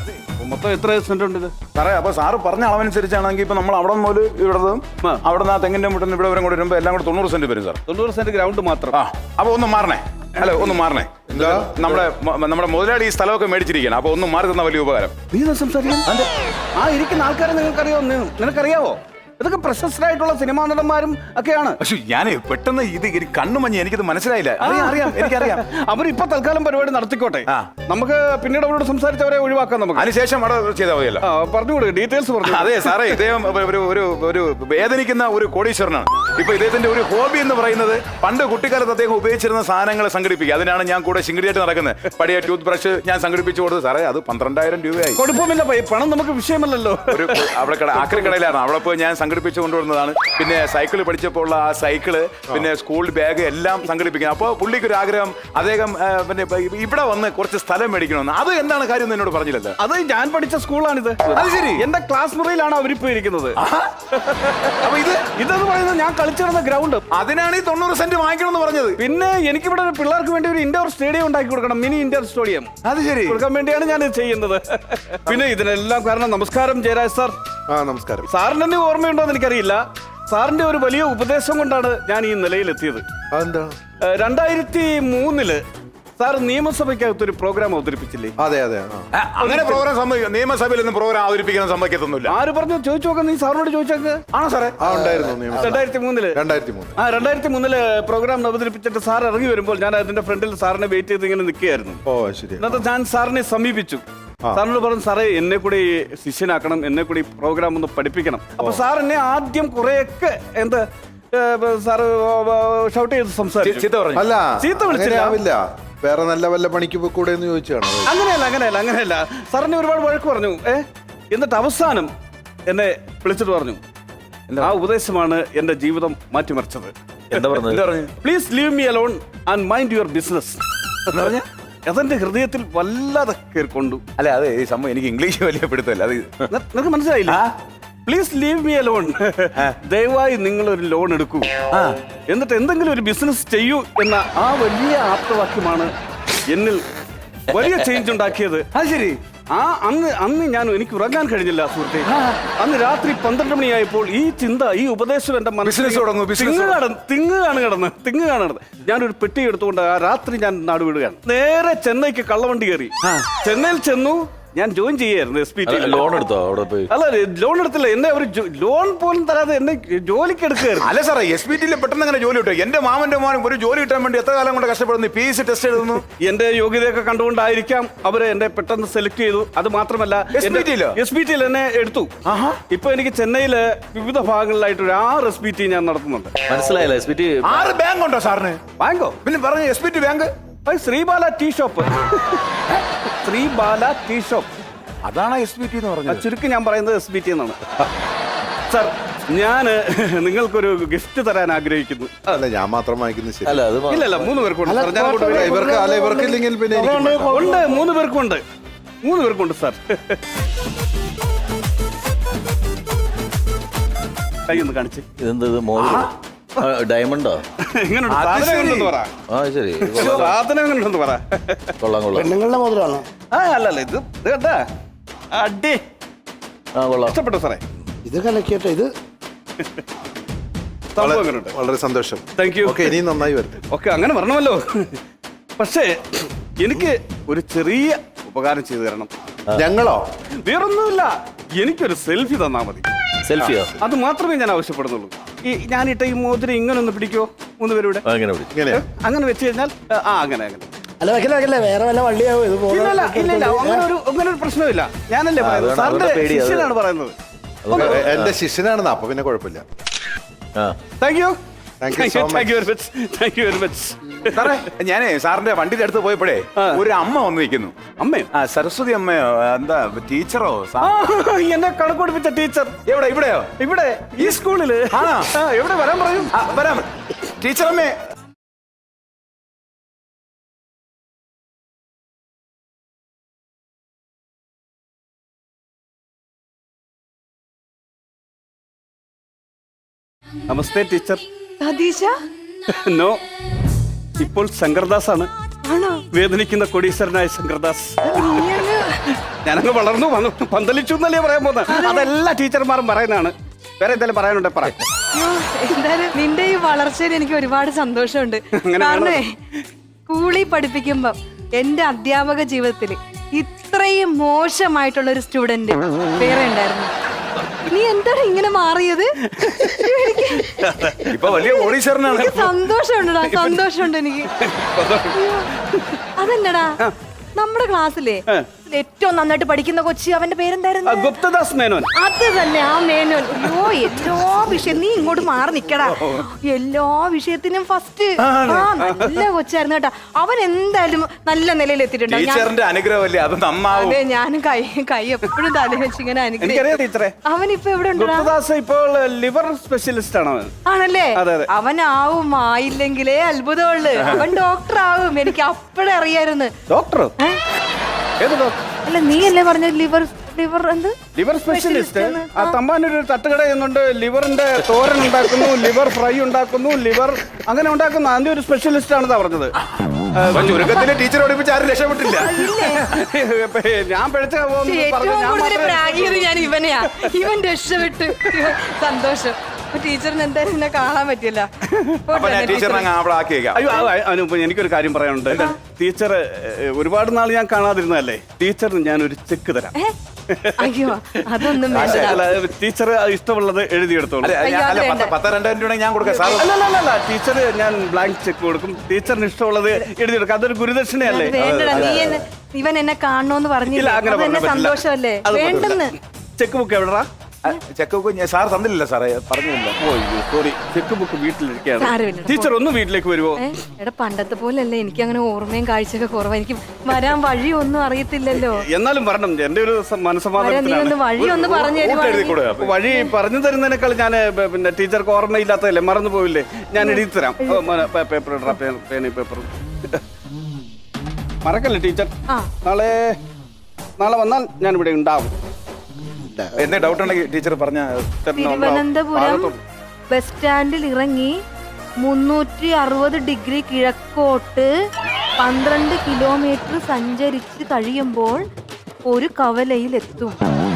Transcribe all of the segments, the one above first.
മൊത്തം എത്ര സെന്റ് ഉണ്ട് ഇത്? സാറേ അപ്പൊ സാറ് പറഞ്ഞ അളവനുസരിച്ചാണെങ്കിൽ ഇപ്പൊ നമ്മൾ അവിടെ മുതൽ ഇവിടതും അവിടെ നിന്ന് ആ തെങ്ങിന്റെ മുട്ടിൽ ഇവിടെ വരെ കൂടെ വരുമ്പോൾ എല്ലാം കൂടെ 90 സെന്റ് വരും സാർ. 90 സെന്റ് ഗ്രൗണ്ട് മാത്രം. ആ അപ്പൊ ഒന്ന് മാറണേ. ഹലോ ഒന്ന് മാറണേ. എന്താ നമ്മുടെ മുതലാളി ഈ സ്ഥലമൊക്കെ മേടിച്ചിരിക്കണം. അപ്പൊ ഒന്ന് മാറി തന്ന വലിയ ഉപകാരം. നീ സംസാരിക്കാൻ ആ ഇരിക്കുന്ന ആൾക്കാരെ നിനക്കറിയാവോ? ഇതൊക്കെ പ്രശസ്തരായിട്ടുള്ള സിനിമാ നടന്മാരും ഒക്കെയാണ്. പക്ഷെ ഞാൻ പെട്ടെന്ന് ഇത് കണ്ണു മഞ്ഞ് എനിക്കിത് മനസ്സിലായില്ല. അറിയാം എനിക്കറിയാം. അവരിപ്പൊ തൽക്കാലം പരിപാടി നടത്തിക്കോട്ടെ. നമുക്ക് പിന്നീട് അവരോട് സംസാരിച്ചവരെ ഒഴിവാക്കാം. നമുക്ക് അതിനുശേഷം അവിടെ ചെയ്താൽ മതിയല്ലോ. പറഞ്ഞുകൂടെ ഡീറ്റെയിൽസ് പറഞ്ഞു. അതെ സാറേ, ഇദ്ദേഹം ഒരു വേദനിക്കുന്ന ഒരു കോടീശ്വരനാണ്. ഇപ്പൊ ഇദ്ദേഹത്തിന്റെ ഒരു ഹോബി എന്ന് പറയുന്നത് പണ്ട് കുട്ടിക്കാലത്ത് അദ്ദേഹം ഉപയോഗിച്ചിരുന്ന സാധനങ്ങൾ സംഘടിപ്പിക്കുക. അതിനാണ് ഞാൻ കൂടെ ശിങ്കിടിയായിട്ട് നടക്കുന്നത്. പഴയ ടൂത്ത് ബ്രഷ് ഞാൻ സംഘടിപ്പിച്ചു കൊടുത്തു. സാറേ അത് 12,000 രൂപയായി. കുഴപ്പമില്ല, പണം നമുക്ക് വിഷയമല്ലല്ലോ. ഒരു അവിടെ ആക്രി കടയിലാണ്. അവിടെ പോയി ഞാൻ സംഘടിപ്പിച്ചു കൊണ്ടുവരുന്നതാണ്. പിന്നെ സൈക്കിൾ പഠിച്ചപ്പോൾ ഉള്ള ആ സൈക്കിള്, പിന്നെ സ്കൂൾ ബാഗ് എല്ലാം സംഘടിപ്പിക്കുന്നത്. അപ്പോൾ പുള്ളിക്ക് ഒരു ആഗ്രഹം, അദ്ദേഹം പിന്നെ ഇവിടെ വന്ന് കുറച്ച് സ്ഥലം മേടിക്കണമെന്ന്. അത് എന്താണ് കാര്യം എന്നോട് പറഞ്ഞില്ലല്ലോ. അത് ഞാൻ പഠിച്ച സ്കൂളാണിത്. അത് ശരി, എന്റെ ക്ലാസ് മുറിയിലാണ് അവരിപ്പോ ഇരിക്കുന്നത്. അപ്പൊ ഇതെന്ന് പറയുന്നത് ഞാൻ കളിച്ചിരുന്ന ഗ്രൗണ്ട്. അതിനാണ് ഈ 90 സെന്റ് വാങ്ങിക്കണമെന്ന് പറഞ്ഞത്. പിന്നെ എനിക്കിവിടെ പിള്ളേർക്ക് വേണ്ടി ഒരു ഇൻഡോർ സ്റ്റേഡിയം ഉണ്ടാക്കി കൊടുക്കണം, മിനി ഇൻഡോർ സ്റ്റേഡിയം. അത് ശരി, കൊടുക്കാൻ വേണ്ടിയാണ് ഞാൻ ഇത് ചെയ്യുന്നത്. പിന്നെ ഇതിനെല്ലാം കാരണം നമസ്കാരം ജയരാജ് സാർ. നമസ്കാരം. സാറിന് എന്നെ ഓർമ്മയുണ്ടോ എന്ന് എനിക്കറിയില്ല. സാറിന്റെ ഒരു വലിയ ഉപദേശം കൊണ്ടാണ് ഞാൻ ഈ നിലയിലെത്തിയത്. 2003 സാർ നിയമസഭയ്ക്കകത്ത് ഒരു പ്രോഗ്രാം അവതരിപ്പിച്ചില്ലേ? അതെ. അങ്ങനെ പ്രോഗ്രാം നിയമസഭയിൽ നിന്ന് പ്രോഗ്രാം അവതരിപ്പിക്കാൻ സമ്മതിക്കത്തൊന്നുമില്ല. ആര് പറഞ്ഞു? ചോദിച്ചു നോക്കാം, നീ സാറിനോട് ചോദിച്ചേക്ക്. ആണോ സാറേ? 2003 പ്രോഗ്രാം അവതരിപ്പിച്ചിട്ട് സാർ ഇറങ്ങി വരുമ്പോൾ ഞാൻ അതിന്റെ ഫ്രണ്ടിൽ സാറിനെ വെയിറ്റ് ചെയ്ത് ഇങ്ങനെ നിൽക്കുകയായിരുന്നു. എന്നിട്ട് ഞാൻ സാറിനെ സമീപിച്ചു. സാറിനോട് പറഞ്ഞു, സാറേ എന്നെ കൂടി ശിഷ്യനാക്കണം, എന്നെ കൂടി പ്രോഗ്രാം ഒന്ന് പഠിപ്പിക്കണം. അപ്പൊ സാർ എന്നെ ആദ്യം കുറെയൊക്കെ സാറ് ഷൗട്ട് ചെയ്ത് സംസാരിച്ചു. ചീത്ത വിളിച്ചില്ല. വേറെ നല്ല വല്ല പണിക്ക് കൂടെ എന്ന് ചോദിച്ചാണ്. അങ്ങനെയല്ല. സാറിനെ ഒരുപാട് വഴക്ക് പറഞ്ഞു. എന്നിട്ട് അവസാനം എന്നെ വിളിച്ചിട്ട് പറഞ്ഞു, ആ ഉപദേശമാണ് എന്റെ ജീവിതം മാറ്റിമറിച്ചത്. എന്താ പറഞ്ഞു? Please leave me alone and mind your business. അതെന്റെ ഹൃദയത്തിൽ വല്ലാതെ കേൾക്കൊണ്ടു. അല്ല അത് ഈ സംഭവം എനിക്ക് ഇംഗ്ലീഷ് വലിയ പിടുത്തല്ല. അത് നിനക്ക് മനസ്സിലായില്ല? Please leave me alone. ദയവായി നിങ്ങൾ ഒരു ലോൺ എടുക്കൂ, എന്നിട്ട് എന്തെങ്കിലും ഒരു ബിസിനസ് ചെയ്യൂ എന്ന ആ വലിയ ആപ്തവാക്യമാണ് എന്നിൽ വലിയ ചേഞ്ച് ഉണ്ടാക്കിയത്. അത് ശരി. അന്ന് എനിക്ക് ഉറങ്ങാൻ കഴിഞ്ഞില്ല സുഹൃത്തെ. അന്ന് രാത്രി 12 മണിയായപ്പോൾ ഈ ചിന്ത, ഈ ഉപദേശം എന്റെ മനസ്സിൽ തിങ്ങ് കാണുന്നത്. ഞാനൊരു പെട്ടി എടുത്തുകൊണ്ട് ആ രാത്രി ഞാൻ നാട് വിടുകയാണ്. നേരെ ചെന്നൈക്ക് കള്ളവണ്ടി കയറി. ചെന്നൈയിൽ ചെന്നു. ഞാൻ ജോയിൻ ചെയ്യായിരുന്നു SPT. ലോൺ എടുത്തോ അവിടെ പോയി? അല്ല, ലോൺ എടുത്തില്ല. എന്നെ അവർ ലോൺ പോലും തരാതെ എന്നെ ജോലിക്ക് എടുക്കുകയായിരുന്നു. അല്ല സാറേ, SPT പെട്ടെന്ന് അങ്ങനെ ജോലി കിട്ടും. എന്റെ മാമന്റെ മോനും ഒരു ജോലി കിട്ടാൻ വേണ്ടി എത്ര കാലം കൊണ്ട് കഷ്ടപ്പെടുന്നു. PSC ടെസ്റ്റ് എഴുതുന്നു. എന്റെ യോഗ്യതയൊക്കെ കണ്ടുകൊണ്ടായിരിക്കാം അവര് എന്നെ പെട്ടെന്ന് സെലക്ട് ചെയ്തു. അത് മാത്രമല്ല SPT എന്നെ എടുത്തു. ഇപ്പൊ എനിക്ക് ചെന്നൈയില് വിവിധ ഭാഗങ്ങളിലായിട്ട് ഒരു 6 SPT ഞാൻ നടത്തുന്നുണ്ട്. മനസ്സിലായില്ല? SPT 6 ബാങ്ക് ഉണ്ടോ സാറിന്? ബാങ്കോ? പിന്നെ പറഞ്ഞു SPT bank. Sreebala tea shop. Sreebala tea shop, അതാണ് SPT എന്ന് പറഞ്ഞത്. ചുരുക്കി ഞാൻ പറയുന്നത് SPT എന്നാണ്. സാർ, ഞാൻ നിങ്ങൾക്കൊരു ഗിഫ്റ്റ് തരാൻ ആഗ്രഹിക്കുന്നു. അല്ല, ഞാൻ മാത്രം വാങ്ങിക്കുന്നത് ശരി. ഇല്ല, 3 പേർക്കുണ്ട്. ഇവർക്കില്ലെങ്കിൽ പിന്നെ ഉണ്ട്, 3 പേർക്കുണ്ട്. 3 പേർക്കുണ്ട് സാർ. കൈ ഒന്ന് കാണിച്ച്. ഇതെന്തത് ഡയമണ്ടോ? സാധനം പറ. കൊള്ളാം. പെണ്ണുങ്ങളുടെ മോതിരമാണോ? അല്ലല്ല, ഇത് കേട്ടാ അടി. ഇഷ്ടപ്പെട്ടോ സാറേ? ഇത് കലക്കിയട്ടെ. ഇത് വളരെ സന്തോഷം. Thank you. ഇനി നന്നായി വരട്ടെ. ഓക്കെ, അങ്ങനെ വരണമല്ലോ. പക്ഷേ എനിക്ക് ഒരു ചെറിയ ഉപകാരം ചെയ്തു തരണം. ഞങ്ങളോ? വേറൊന്നുമില്ല, എനിക്കൊരു സെൽഫി തന്നാ മതി. സെൽഫിയോ? അത് മാത്രമേ ഞാൻ ആവശ്യപ്പെടുന്നുള്ളൂ. ഞാനിട്ട ഈ മോതിരം ഇങ്ങനെ ഒന്ന് പിടിക്കോ? 3 പേരുടെ അങ്ങനെ വെച്ച് കഴിഞ്ഞാൽ അങ്ങനെ അല്ല, വെക്കല വേറെ വല്ല വള്ളിയാവോ? ഇല്ല, അങ്ങനെ ഒരു പ്രശ്നമില്ല. ഞാനല്ലേ പറയുന്നത്, സാറിന്റെ ശിഷ്യനാണ് പറയുന്നത്. എന്റെ ശിഷ്യനാണെന്ന്. അപ്പൊ പിന്നെ കുഴപ്പമില്ല. Thank you. സാറേ, ഞാനേ സാറിന്റെ വണ്ടിയുടെ അടുത്ത് പോയപ്പോഴേ ഒരു അമ്മ വന്ന് നിൽക്കുന്നു. അമ്മയോ? സരസ്വതി അമ്മയോ, എന്താ ടീച്ചറോ? എന്നെ കണക്ക് പഠിപ്പിച്ച ടീച്ചർ. ഇവിടെയോ? ഇവിടെ ഈ സ്കൂളില്. എവിടെ വരാൻ പറയും? വരാം. ടീച്ചർ അമ്മേ. നമസ്തേ ടീച്ചർ. നോ, ഇപ്പോൾ ശങ്കർദാസ് ആണ്. വേദനിക്കുന്ന കോടീശ്വരനായ ശങ്കർദാസ്. ഞാൻ ഞാനങ്ങ് വളർന്നു വന്നു പന്തലിച്ചു എന്നല്ലേ പറയാൻ പോകുന്നത്. അതെല്ലാ ടീച്ചർമാരും പറയുന്നതാണ്. വേറെ എന്തെങ്കിലും പറയാനുണ്ടെ പറ. അയ്യോ, എന്തായാലും നിന്റെ ഈ വളർച്ചയിൽ എനിക്ക് ഒരുപാട് സന്തോഷമുണ്ട്. അങ്ങനെ കാരണേ സ്കൂളിൽ പഠിപ്പിക്കുമ്പോ എന്റെ അധ്യാപക ജീവിതത്തിൽ ഇത്രയും മോശമായിട്ടുള്ള ഒരു സ്റ്റുഡന്റ് വേറെ ഉണ്ടായിരുന്നു. നീ എന്താണ് ഇങ്ങനെ മാറിയത്? ഇപ്പൊ വലിയ ഓഡീഷറിനാണ്. എനിക്ക് സന്തോഷമുണ്ടടാ, സന്തോഷമുണ്ട് എനിക്ക്. അയ്യോ, അതല്ലടാ നമ്മുടെ ക്ലാസ്സിലെ ഏറ്റവും നന്നായിട്ട് പഠിക്കുന്ന കൊച്ചി, അവന്റെ പേരെന്തായിരുന്നു? ഗുപ്തദാസ് മേനോൻ. അത് തന്നെ, ആ മേനോൻ. അയ്യോ, എല്ലാ വിഷയം നീ ഇങ്ങോട്ട് മാറി നിക്കടാ. എല്ലാ വിഷയത്തിനും ഫസ്റ്റ്. നല്ല കൊച്ചായിരുന്നു കേട്ടാ. അവൻ എന്തായാലും നല്ല നിലയിൽ എത്തിയിട്ടുണ്ടാവും. ടീച്ചറിന്റെ അനുഗ്രഹമല്ലേ അത് നന്നാവും. അതെ, ഞാനും കൈ എപ്പോഴും തല വെച്ച് ഇങ്ങനെ അനുഗ്രഹിക്കും. എനിക്കറിയാം ടീച്ചറെ. അവൻ ഇപ്പൊ എവിടെ ഉണ്ടാ? ഗുപ്തദാസ് ഇപ്പോൾ ലിവർ സ്പെഷ്യലിസ്റ്റ് ആണ് അവൻ. ആണല്ലേ? അതെ. അവനാവും, ആയില്ലെങ്കിലേ അത്ഭുതമുള്ളു. അവൻ ഡോക്ടർ ആവും. എനിക്ക് അപ്പഴേ അറിയായിരുന്നു. ഡോക്ടറോ? ഏത് ഡോക്ടർ? അല്ല, നീ അല്ലേ പറഞ്ഞ ലിവർ എന്ത്? Liver specialist. ആ തമ്പാനൊരു തട്ടുകട എന്നുണ്ട്. ലിവറിന്റെ തോരൻ ഉണ്ടാക്കുന്നു, ലിവർ ഫ്രൈ ഉണ്ടാക്കുന്നു, ലിവർ അങ്ങനെ ഉണ്ടാക്കുന്നു. അതിന്റെ ഒരു സ്പെഷ്യലിസ്റ്റ് ആണെന്നാ പറഞ്ഞത്. ചുരുക്കത്തിന് ടീച്ചർ പഠിപ്പിച്ച് ആരും രക്ഷപ്പെട്ടില്ല. ഞാൻ പിഴച്ച ഏറ്റവും കൂടുതൽ പ്രാഗിയത് ഞാൻ ഇവനെയാ. ഇവൻ രക്ഷപ്പെട്ടു. സന്തോഷം. ടീച്ചറിന് എന്തായാലും എന്നെ കാണാൻ പറ്റില്ല. അപ്പൊ ഞാൻ ടീച്ചറിനെ അങ്ങ് അവിടെ ആക്കിയേക്കാം. അയ്യോ, അനുപ എനിക്കൊരു കാര്യം പറയാനുണ്ട്. ടീച്ചർ ഒരുപാട് നാൾ ഞാൻ കാണാതിരുന്നതല്ലേ. ടീച്ചറിന് ഞാനൊരു ചെക്ക് തരാം. അയ്യോ, അതൊന്നും വേണ്ട. ടീച്ചർ ഇഷ്ടമുള്ളത് എഴുതിയെടുത്തോളൂ. അല്ല 10,000-2,000 രൂപ ഞാൻ കൊടുക്കാം സാർ. അല്ല ടീച്ചർ ഞാൻ ബ്ലാങ്ക് ചെക്ക് കൊടുക്കും. ടീച്ചറിന് ഇഷ്ടമുള്ളത് എഴുതിയെടുക്കും. അതൊരു ഗുരുദക്ഷിണയല്ലേ. വേണ്ടടാ, ഇവൻ എന്നെ കാണണോന്ന് പറഞ്ഞില്ല. അതെന്നെ സന്തോഷമല്ലേ? വേണ്ടെന്ന്. ചെക്ക് ബുക്ക് എവിടെടാ? ചെക്ക് ബുക്ക് സാർ തന്നില്ല സാറേ, പറഞ്ഞില്ല. സോറി, ചെക്ക് ബുക്ക് വീട്ടിലിരിക്കുകയാണ്. സാരമില്ല. ടീച്ചർ ഒന്ന് വീട്ടിലേക്ക് വരുമോ? എടാ, പണ്ടത്തെ പോലല്ലേ, എനിക്ക് അങ്ങനെ ഓർമ്മയും കാഴ്ചയൊക്കെ കുറവാ. എനിക്ക് വരാൻ വഴിയൊന്നും അറിയത്തില്ലല്ലോ. എന്നാലും വരണം. എന്റെ ഒരു മനസ്സമാധാനത്തിലാണ്. വഴി ഒന്ന് പറഞ്ഞു തരുവാ. വഴി പറഞ്ഞു തരുന്നതിനേക്കാൾ ഞാൻ പിന്നെ ടീച്ചർക്ക് ഓർമ്മയില്ലാത്തതല്ലേ, മറന്നു പോയില്ലേ, ഞാൻ എഴുതി തരാം. പേപ്പർ ഇടാ, പേന പേപ്പർ. മറക്കല്ലേ ടീച്ചർ. നാളെ വന്നാൽ ഞാൻ ഇവിടെ ഉണ്ടാവും. എന്തേ ഡൗട്ട് ഉണ്ടെങ്കിൽ ടീച്ചർ പറഞ്ഞ. തിരുവനന്തപുരം ബസ് സ്റ്റാൻഡിൽ ഇറങ്ങി 360 ഡിഗ്രി കിഴക്കോട്ട് 12 കിലോമീറ്റർ സഞ്ചരിച്ച് കഴിയുമ്പോൾ ഒരു കവലയിൽ എത്തും.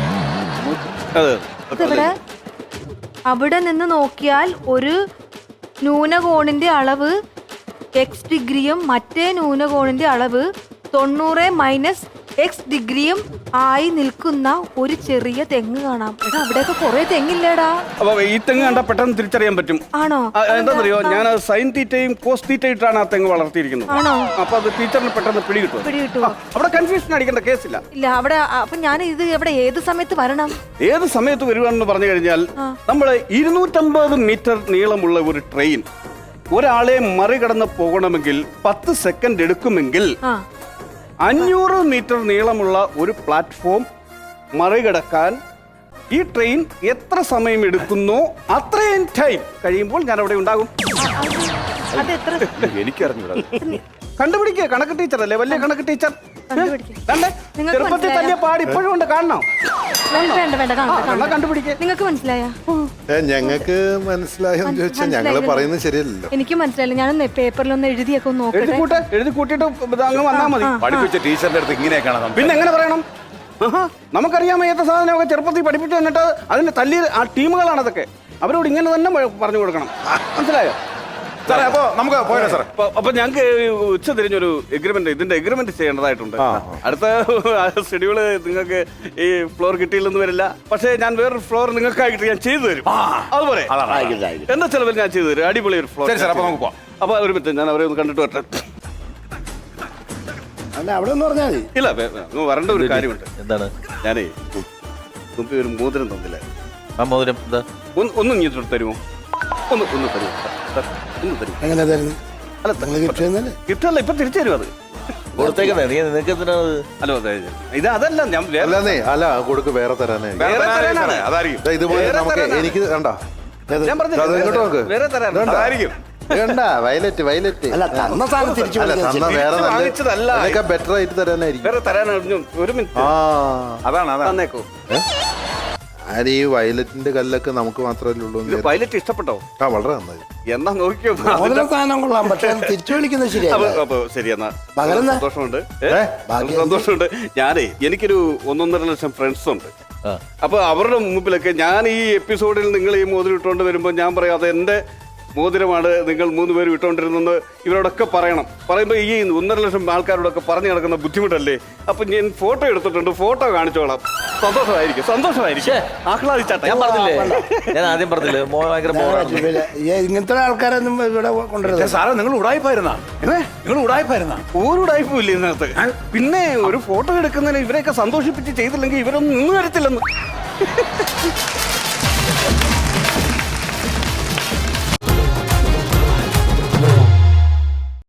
ഇതെവിടെ? അവിടെ നിന്ന് നോക്കിയാൽ ഒരു ന്യൂനകോണിന്റെ അളവ് x ഡിഗ്രിയും മറ്റേ ന്യൂനകോണിന്റെ അളവ് 90 - x ഡിഗ്രിയും ആയി നിൽക്കുന്ന ഒരു ചെറിയ തെങ്ങ് കാണാം. എടാ, അവിടെയൊക്കെ കുറെ തെങ്ങില്ലേടാ. അപ്പൊ ഈ തെങ്ങ് കണ്ടാൽ പെട്ടെന്ന് തിരിച്ചറിയാൻ പറ്റും. ആണോ? എന്താണെന്നറിയോ, ഞാൻ സൈൻ തീറ്റയും കോസ് തീറ്റയിട്ടാണ് ആ തെങ്ങ് വളർത്തിയിരിക്കുന്നത്. ആണോ? അപ്പൊ അത് ടീച്ചറിന് പെട്ടെന്ന് പിടികിട്ടുമോ? അവിടെ കൺഫ്യൂഷൻ അടിക്കേണ്ട കേസില്ല. ഇല്ല, അവിടെ. അപ്പൊ ഞാൻ ഇത് എവിടെ ഏത് സമയത്ത് വരണം? ഏത് സമയത്ത് വരുവാണെന്ന് പറഞ്ഞു കഴിഞ്ഞാൽ, നമ്മള് 250 മീറ്റർ നീളമുള്ള ഒരു ട്രെയിൻ ഒരാളെ മറികടന്ന് പോകണമെങ്കിൽ 10 സെക്കൻഡ് എടുക്കുമെങ്കിൽ 500 മീറ്റർ നീളമുള്ള ഒരു പ്ലാറ്റ്ഫോം മറികടക്കാൻ ഈ ട്രെയിൻ എത്ര സമയം എടുക്കുന്നോ അത്രയും ടൈം കഴിയുമ്പോൾ ഞാൻ അവിടെ ഉണ്ടാകും. എനിക്കറിഞ്ഞൂടാ. കണ്ടുപിടിക്കുക. കണക്ക് ടീച്ചർ അല്ലേ, വലിയ കണക്ക് ടീച്ചർ. ചെറുപ്പത്തിൽ തന്നെ പാടി ഇപ്പോഴും ഉണ്ട്. കാണണം. കണ്ടുപിടിക്കുക. നിങ്ങൾക്ക് മനസ്സിലായ? ഞങ്ങൾക്ക് മനസ്സിലായെന്ന് ചോദിച്ചാൽ ഞങ്ങള് പറയുന്നത് ശരിയല്ലല്ലോ. എനിക്ക് മനസ്സിലായില്ല. ഞാൻ പേപ്പറിലൊന്ന് എഴുതിയൊക്കെ നോക്കട്ടെ. എഴുതി കൂട്ടിയിട്ട് അങ്ങ് വന്നാ മതി. പഠിപ്പിച്ച ടീച്ചറിന്റെ അടുത്ത് ഇങ്ങനെയൊക്കെയാണ്. പിന്നെ എങ്ങനെ പറയണം? നമുക്കറിയാമോ ഏത്ത സാധനമൊക്കെ ചെറുപ്പത്തിൽ പഠിപ്പിച്ചു തന്നിട്ട് അതിന്റെ തല്ലി ആ ടീമുകളാണ് അതൊക്കെ. അവരോട് ഇങ്ങനെ തന്നെ പറഞ്ഞു കൊടുക്കണം. മനസ്സിലായോ സാറേ? അപ്പൊ നമുക്ക് പോയാലോ സാറേ? അപ്പൊ ഞങ്ങൾക്ക് ഉച്ച തിരിഞ്ഞൊരു എഗ്രിമെന്റ്, ഇതിന്റെ എഗ്രിമെന്റ് ചെയ്യേണ്ടതായിട്ടുണ്ട്. അടുത്ത ഷെഡ്യൂള് നിങ്ങൾക്ക് ഈ ഫ്ലോർ കിട്ടിയില്ലെന്ന് വരില്ല. പക്ഷേ ഞാൻ വേറൊരു ഫ്ലോർ നിങ്ങൾക്കായിട്ട് ഞാൻ ചെയ്തു തരും. അതുപോലെ എന്താ ചെലവിൽ ഞാൻ ചെയ്തു തരും. അടിപൊളി ഒരു ഫ്ലോർ. അപ്പൊ നമുക്ക് പോവാം. അപ്പൊ ഒരു മിനിറ്റ്, ഞാൻ അവരെ ഒന്ന് കണ്ടിട്ട് വരട്ടെ. അല്ല, അവിടെ ഒന്ന് പറഞ്ഞാൽ മതി. ഇല്ല, വരേണ്ട ഒരു കാര്യമുണ്ട്. എന്താണ്? ഞാനേ മുമ്പ് ഒരു മോതിരം തന്നില്ല. ആ മോതിരം എന്താ? ഒന്ന് ഇങ്ങോട്ട് തരുമോ? ഒന്ന് തരുമോ? ഒന്ന് തരുമോ? എങ്ങനെ തരുന്നു? അല്ല, കിട്ടല്ല, ഇപ്പൊ തിരിച്ചു തരും. അത് കൊടുത്തേക്കണേ. നീ നിനക്ക് എന്തിനാണ്? ഹലോ, ഇത് അതല്ല ഞാൻ അല്ലെന്നേ, അല്ല കൊടുക്ക്, വേറെ തരാനായിരിക്കും. അതായിരിക്കും ഇതുപോലെ നമുക്ക് എനിക്ക് കണ്ടോ, ഞാൻ ഇങ്ങോട്ട് നോക്ക്. വേറെ തരാനായിരിക്കും. വേണ്ട, വയലറ്റ്. അല്ല, തന്ന സാധനം തിരിച്ചു അല്ല, തന്ന വേറെ വാങ്ങിച്ചതല്ല. നല്ല ബെറ്റർ ആയിട്ട് തരാനായിരിക്കും. വേറെ തരാനായിരുന്നു. ഒരു മിനിറ്റ്. അതാണ് തന്നേക്കോ. ഞാൻ ഈ വയലറ്റിന്റെ കല്ലൊക്കെ നമുക്ക് മാത്രമല്ലേ ഉള്ളൂ എന്ന് ഇത് പൈലറ്റ് ഇഷ്ടപ്പെട്ടോ? ആ വളരെ നന്നായി. എന്നാ നോക്കിയോ. മോതിര സ്ഥാനം കൊള്ളാം, പക്ഷെ അത് തിരിച്ചു വിളിക്കുന്നത് ശരിയല്ല. അപ്പൊ ശരി എന്നാ പകരം എന്നാ? സന്തോഷമുണ്ട്. ബാക്കി സന്തോഷമുണ്ട്. ഞാനേ എനിക്കൊരു 1.5 ലക്ഷം ഫ്രണ്ട്സ് ഉണ്ട്. അപ്പൊ അവരുടെ മുമ്പിലൊക്കെ ഞാൻ ഈ എപ്പിസോഡിൽ നിങ്ങൾ ഈ മോതിരം ഇട്ടുകൊണ്ട് വരുമ്പോൾ ഞാൻ പറയാം അത് എന്റെ മോതിരമാണ്, നിങ്ങൾ 3 പേരും ഇട്ടുകൊണ്ടിരുന്നെന്ന് ഇവരോടൊക്കെ പറയണം. പറയുമ്പോൾ ഈ 1.5 ലക്ഷം ആൾക്കാരോടൊക്കെ പറഞ്ഞു നടക്കുന്ന ബുദ്ധിമുട്ടല്ലേ. അപ്പൊ ഞാൻ ഫോട്ടോ എടുത്തിട്ടുണ്ട്, ഫോട്ടോ കാണിച്ചോളാം. സന്തോഷമായിരിക്കും. ആഹ്ലാദിച്ചാട്ടെ. ഞാൻ പറഞ്ഞില്ലേ, ഞാൻ ആദ്യം പറഞ്ഞില്ലേ ഭയങ്കര ബോറാണ്. ഇങ്ങനത്തെ ആൾക്കാരൊന്നും ഇവിടെ കൊണ്ടുവരുന്നത്. സാറേ നിങ്ങൾ ഉടായിപ്പായിരുന്നാ? നിങ്ങൾ ഉടായിപ്പായിരുന്നാ? ഒരു ടൈപ്പും ഇല്ല ഇതിനകത്ത്. പിന്നെ ഒരു ഫോട്ടോ എടുക്കുന്നതിന് ഇവരെയൊക്കെ സന്തോഷിപ്പിച്ച് ചെയ്തില്ലെങ്കിൽ ഇവരൊന്നും നിന്ന് വരത്തില്ലെന്ന്.